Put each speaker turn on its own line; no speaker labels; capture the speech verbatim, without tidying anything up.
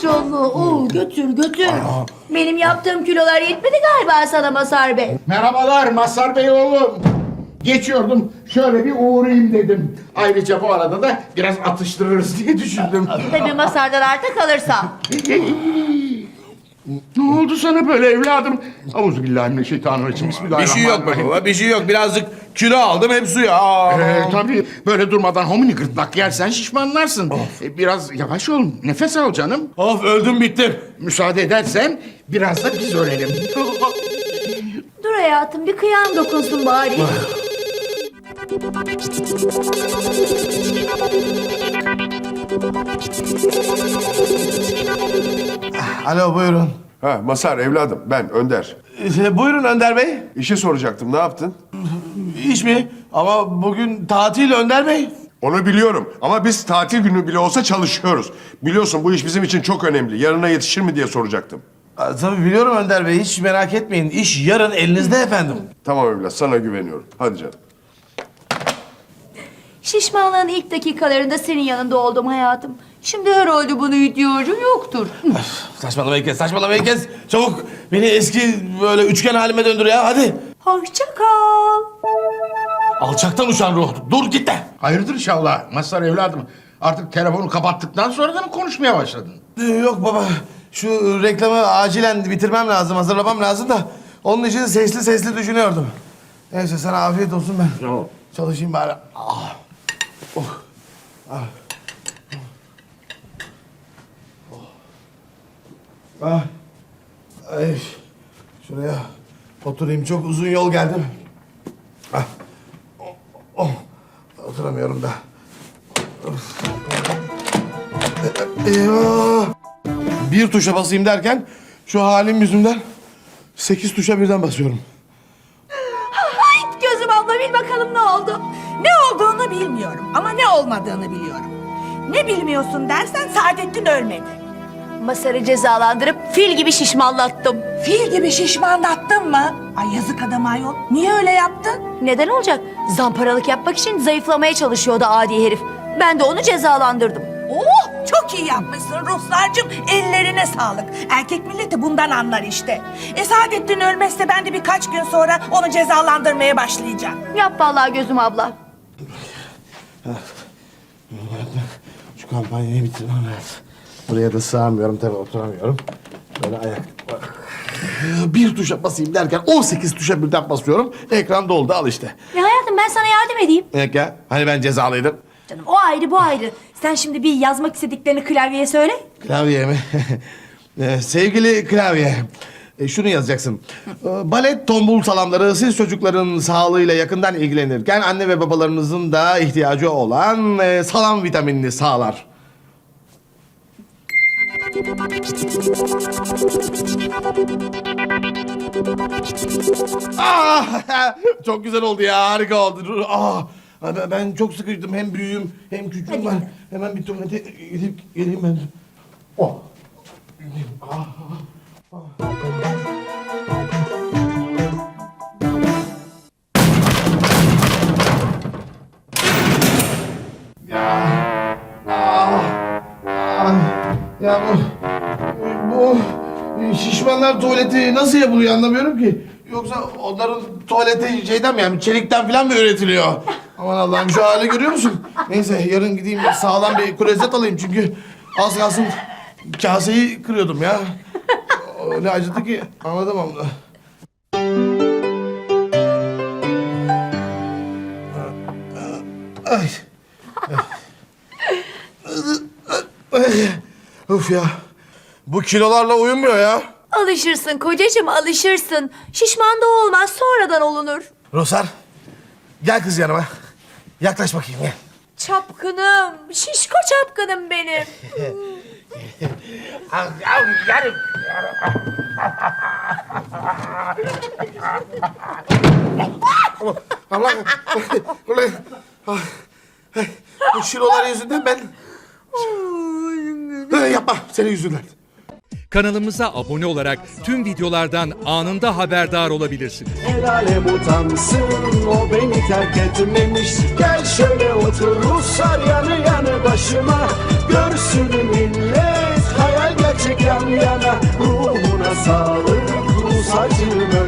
maşallah. Oo, götür götür. Benim yaptığım kilolar yetmedi galiba sana Mazhar Bey.
Merhabalar Mazhar Bey oğlum. Geçiyordum şöyle bir uğrayayım dedim. Ayrıca bu arada da biraz atıştırırız diye düşündüm.
Tabii Mazhar'dan arta kalırsa.
Ne oldu sana böyle evladım? Euzubillahimineşşeytanirracim.
Bir
Bismillahirrahmanirrahim.
şey yok be baba, bir şey yok. Birazcık kilo aldım, hep suya. Aa.
Ee, tabii böyle durmadan homini gırtlak yersen şişmanlarsın. Ee, biraz yavaş ol, nefes al canım.
Of, öldüm bittim.
Müsaade edersen biraz da biz ölelim.
Dur hayatım bir kıyam dokunsun bari.
Alo buyurun.
Ha Mazhar evladım ben Önder.
Ee, buyurun Önder Bey.
İşi soracaktım ne yaptın?
İş mi? Ama bugün tatil Önder Bey.
Onu biliyorum ama biz tatil günü bile olsa çalışıyoruz. Biliyorsun bu iş bizim için çok önemli. Yarına yetişir mi diye soracaktım.
Aa, tabii biliyorum Önder Bey. Hiç merak etmeyin. İş yarın elinizde efendim.
Tamam evlat sana güveniyorum. Hadi canım.
Şişmanlığın ilk dakikalarında senin yanında oldum hayatım. Şimdi herhalde bunu ihtiyacım yoktur.
Saçmalamayı kes, saçmalamayı kes. Çabuk beni eski böyle üçgen halime döndür ya hadi.
Hoşça kal.
Alçaktan uçan ruh. Dur git de.
Hayırdır inşallah Mazhar evladım. Artık telefonu kapattıktan sonra da mı konuşmaya başladın?
Ee, yok baba. Şu reklamı acilen bitirmem lazım, hazırlamam lazım da. Onun için sesli sesli düşünüyordum. Neyse sana afiyet olsun ben.
Tamam.
Çalışayım bari. Ah. Oh. Ah. Oh. Ah. Ay. Şuraya oturayım. Çok uzun yol geldim. Ah. Oh. Oh. Oturamıyorum da. Of. Eyvah. Bir tuşa basayım derken şu halim yüzünden sekiz tuşa birden basıyorum.
Ay gözüm abla bil bakalım ne oldu?
Ne olduğunu bilmiyorum ama ne olmadığını biliyorum. Ne bilmiyorsun dersen Saadettin ölmedi.
Masar'ı cezalandırıp fil gibi şişmanlattım.
Fil gibi şişmanlattın mı? Ay yazık adam ayol. Niye öyle yaptın?
Neden olacak? Zamparalık yapmak için zayıflamaya çalışıyordu adi herif. Ben de onu cezalandırdım.
Oh çok iyi yapmışsın Ruhsar'cığım. Ellerine sağlık. Erkek milleti bundan anlar işte. E Saadettin ölmezse ben de birkaç gün sonra onu cezalandırmaya başlayacağım.
Yap vallahi gözüm abla.
Şu kampanyayı bitirmem lazım. Buraya da sığamıyorum tabii oturamıyorum. Böyle ayak... Bir tuşa basayım derken on sekiz tuşa birden basıyorum. Ekran doldu al işte.
Ya hayatım ben sana yardım edeyim.
Evet ya hani ben cezalıydım.
Canım o ayrı bu ayrı. Sen şimdi bir yazmak istediklerini klavyeye söyle.
Klavye mi? Ee, sevgili klavye. e, şunu yazacaksın. Ee, balet tombul salamları siz çocukların sağlığıyla yakından ilgilenirken anne ve babalarınızın da ihtiyacı olan e, salam vitaminini sağlar. Ah, çok güzel oldu ya, harika oldu. Ah, ben- ben çok sıkıştım, hem büyüğüm hem küçüğüm var. Hemen bir tuvalete gidip geleyim ben. Oh. Ah, ah. Ya, ah, ah. Ya bu, bu şişmanlar tuvaleti nasıl yapılıyor anlamıyorum ki. Yoksa onların tuvaleti şeyden mi yani çelikten falan mı üretiliyor? Aman Allah'ım şu hali görüyor musun? Neyse yarın gideyim sağlam bir klozet alayım çünkü az kalsın kaseyi kırıyordum ya. Öyle acıdı ki anlatamam da. Ay. Ay. Uf ya. Bu kilolarla uyumuyor ya.
Alışırsın kocacığım alışırsın. Şişman da olmaz sonradan olunur.
Rusar, gel kız yanıma. Yaklaş bakayım gel.
Çapkınım, şişko çapkınım benim.
Allah, ulan, ah, bu kilolar yüzünden ben... Ay, yapma, senin yüzünden.
Kanalımıza abone olarak tüm videolardan anında haberdar olabilirsiniz.
El alem utansın o beni terk etmemiş. Gel şöyle otur Ruslar yanı yanı başıma. Görsün millet hayal gerçek. gerçek yan yana. Ruhuna sağlık Rus acım